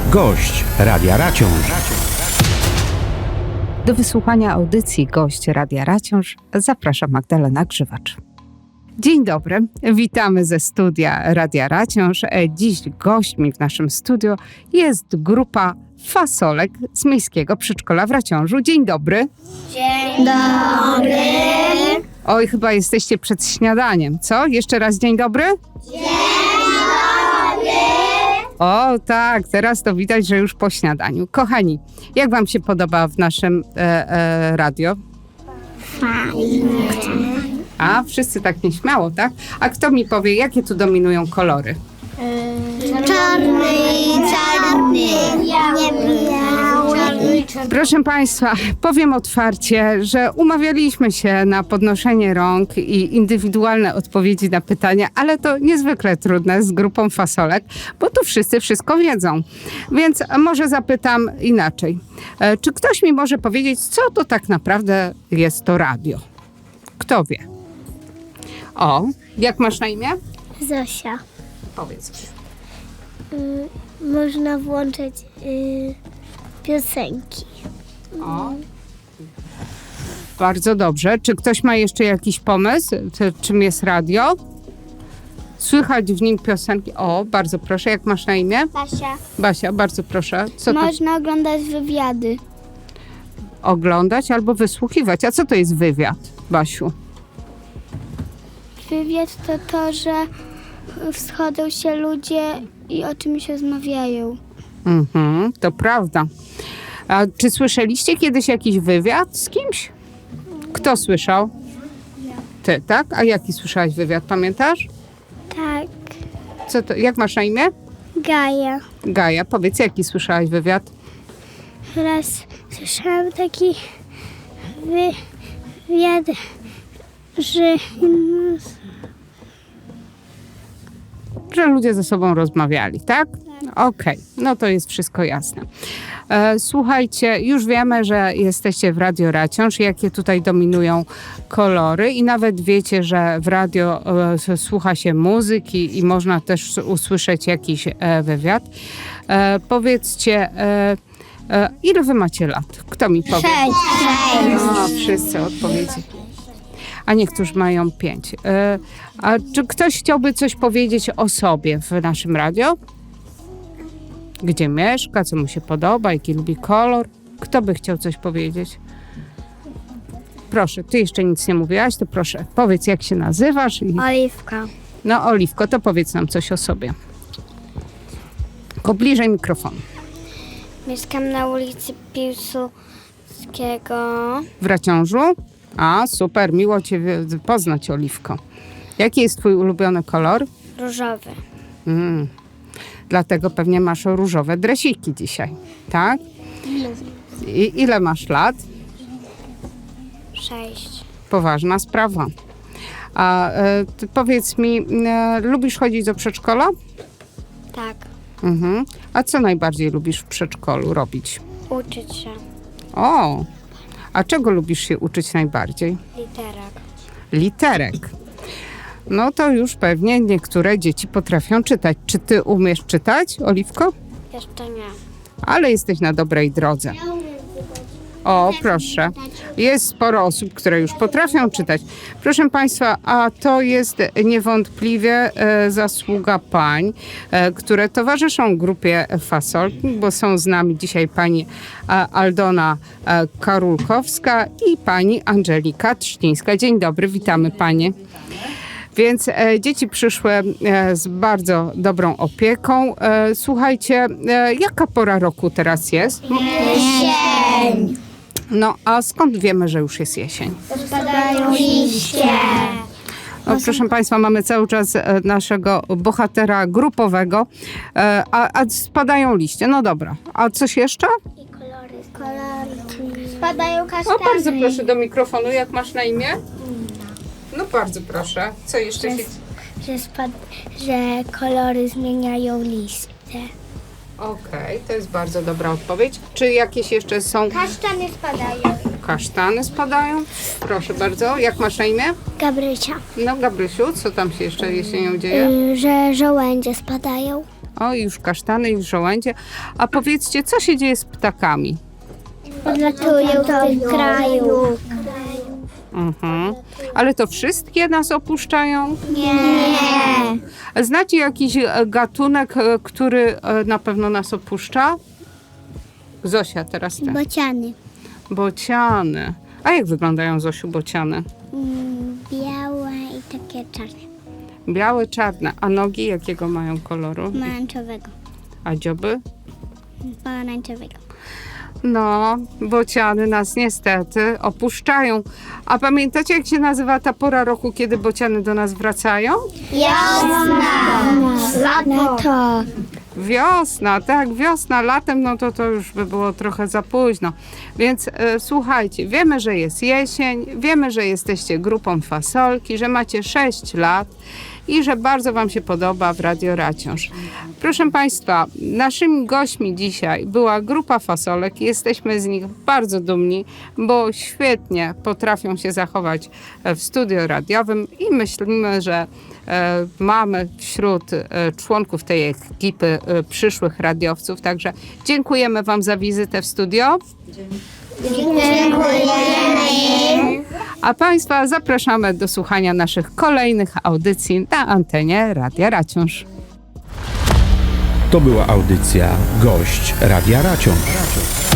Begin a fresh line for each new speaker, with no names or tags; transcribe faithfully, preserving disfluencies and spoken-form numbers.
Gość Radia Raciąż.
Do wysłuchania audycji Gość Radia Raciąż zaprasza Magdalena Grzywacz. Dzień dobry, witamy ze studia Radia Raciąż. Dziś gośćmi w naszym studiu jest grupa Fasolek z Miejskiego Przedszkola w Raciążu. Dzień dobry.
Dzień dobry.
Oj, chyba jesteście przed śniadaniem, co? Jeszcze raz dzień dobry?
Dzień dobry.
O tak, teraz to widać, że już po śniadaniu. Kochani, jak wam się podoba w naszym e, e, radio?
Fajnie.
A, wszyscy tak nieśmiało, tak? A kto mi powie, jakie tu dominują kolory?
Czarny i czarny. Biały.
Proszę Państwa, powiem otwarcie, że umawialiśmy się na podnoszenie rąk i indywidualne odpowiedzi na pytania, ale to niezwykle trudne z grupą Fasolek, bo tu wszyscy wszystko wiedzą. Więc może zapytam inaczej. E, Czy ktoś mi może powiedzieć, co to tak naprawdę jest to radio? Kto wie? O, jak masz na imię?
Zosia.
Powiedz.
Y, można włączyć y, piosenki.
O. Bardzo dobrze. Czy ktoś ma jeszcze jakiś pomysł, czy, czym jest radio? Słychać w nim piosenki. O, bardzo proszę. Jak masz na imię?
Basia.
Basia, bardzo proszę. Co to
Można oglądać wywiady.
oglądać albo wysłuchiwać? A co to jest wywiad, Basiu?
Wywiad to to, że schodzą się ludzie i o czymś rozmawiają.
Mhm, to prawda. A czy słyszeliście kiedyś jakiś wywiad z kimś? Kto słyszał? Ty, tak? A jaki słyszałaś wywiad, pamiętasz?
Tak.
Co to, jak masz na imię?
Gaja.
Gaja, powiedz, jaki słyszałaś wywiad?
Raz słyszałam taki wywiad, że
Że ludzie ze sobą rozmawiali, tak? Okej, no to jest wszystko jasne. E, słuchajcie, już wiemy, że jesteście w Radio Raciąż, jakie tutaj dominują kolory i nawet wiecie, że w radio e, słucha się muzyki i można też usłyszeć jakiś e, wywiad. E, powiedzcie, e, e, ile wy macie lat? Kto mi powie?
Sześć.
No, wszyscy odpowiedzi. A niektórzy mają pięć. E, a czy ktoś chciałby coś powiedzieć o sobie w naszym radio? Gdzie mieszka, co mu się podoba, jaki lubi kolor? Kto by chciał coś powiedzieć? Proszę, ty jeszcze nic nie mówiłaś, to proszę, powiedz, jak się nazywasz. I...
Oliwka.
No, Oliwko, to powiedz nam coś o sobie. Tylko bliżej mikrofonu.
Mieszkam na ulicy Piłsudskiego.
W Raciążu? A, super, miło cię wy- poznać, Oliwko. Jaki jest twój ulubiony kolor?
Różowy.
Mm. Dlatego pewnie masz różowe dresiki dzisiaj, tak? I ile masz lat?
Sześć.
Poważna sprawa. A e, ty powiedz mi, e, lubisz chodzić do przedszkola?
Tak.
Mhm. A co najbardziej lubisz w przedszkolu robić?
Uczyć się.
O, a czego lubisz się uczyć najbardziej?
Literek.
Literek. No to już pewnie niektóre dzieci potrafią czytać. Czy ty umiesz czytać, Oliwko?
Jeszcze nie.
Ale jesteś na dobrej drodze. O, proszę. Jest sporo osób, które już potrafią czytać. Proszę Państwa, a to jest niewątpliwie e, zasługa pań, e, które towarzyszą grupie Fasolki, bo są z nami dzisiaj pani e, Aldona e, Karulkowska i pani Angelika Trzcińska. Dzień dobry, witamy panie. Więc e, dzieci przyszły e, z bardzo dobrą opieką. E, słuchajcie, e, jaka pora roku teraz jest?
Jesień.
No, a skąd wiemy, że już jest jesień?
Spadają liście.
No, proszę Państwa, mamy cały czas e, naszego bohatera grupowego, e, a, a spadają liście. No dobra, a coś jeszcze?
I kolory. Kolorki. Spadają
O,
kasztany.
bardzo proszę do mikrofonu. Jak masz na imię? No bardzo proszę. Co jeszcze się...
Że, spad... że kolory zmieniają liście.
Okej, to jest bardzo dobra odpowiedź. Czy jakieś jeszcze są...
Kasztany spadają.
Kasztany spadają? Proszę bardzo. Jak masz na imię?
Gabrysia.
No Gabrysiu, co tam się jeszcze jesienią dzieje?
Y, że żołędzie spadają.
O, już kasztany, już żołędzie. A powiedzcie, co się dzieje z ptakami?
Odlatują do kraju.
Mhm. Ale to wszystkie nas opuszczają?
Nie.
Znacie jakiś e, gatunek, e, który e, na pewno nas opuszcza? Zosia, teraz ty.
Bociany.
Bociany. A jak wyglądają, Zosiu, bociany?
Mm, białe i takie czarne.
Białe, czarne. A nogi jakiego mają koloru?
Pomarańczowego.
A dzioby?
Pomarańczowego.
No, bociany nas niestety opuszczają. A pamiętacie, jak się nazywa ta pora roku, kiedy bociany do nas wracają?
Lato.
Wiosna, tak, wiosna, latem, no to to już by było trochę za późno. Więc e, słuchajcie, wiemy, że jest jesień, wiemy, że jesteście grupą Fasolki, że macie sześć lat i że bardzo wam się podoba w Radio Raciąż. Proszę Państwa, naszymi gośćmi dzisiaj była grupa Fasolek i jesteśmy z nich bardzo dumni, bo świetnie potrafią się zachować w studio radiowym i myślimy, że e, mamy wśród e, członków tej ekipy e, przyszłych radiowców. Także dziękujemy wam za wizytę w studio.
Dziękujemy.
A Państwa zapraszamy do słuchania naszych kolejnych audycji na antenie Radia Raciąż.
To była audycja Gość Radia Raciąż.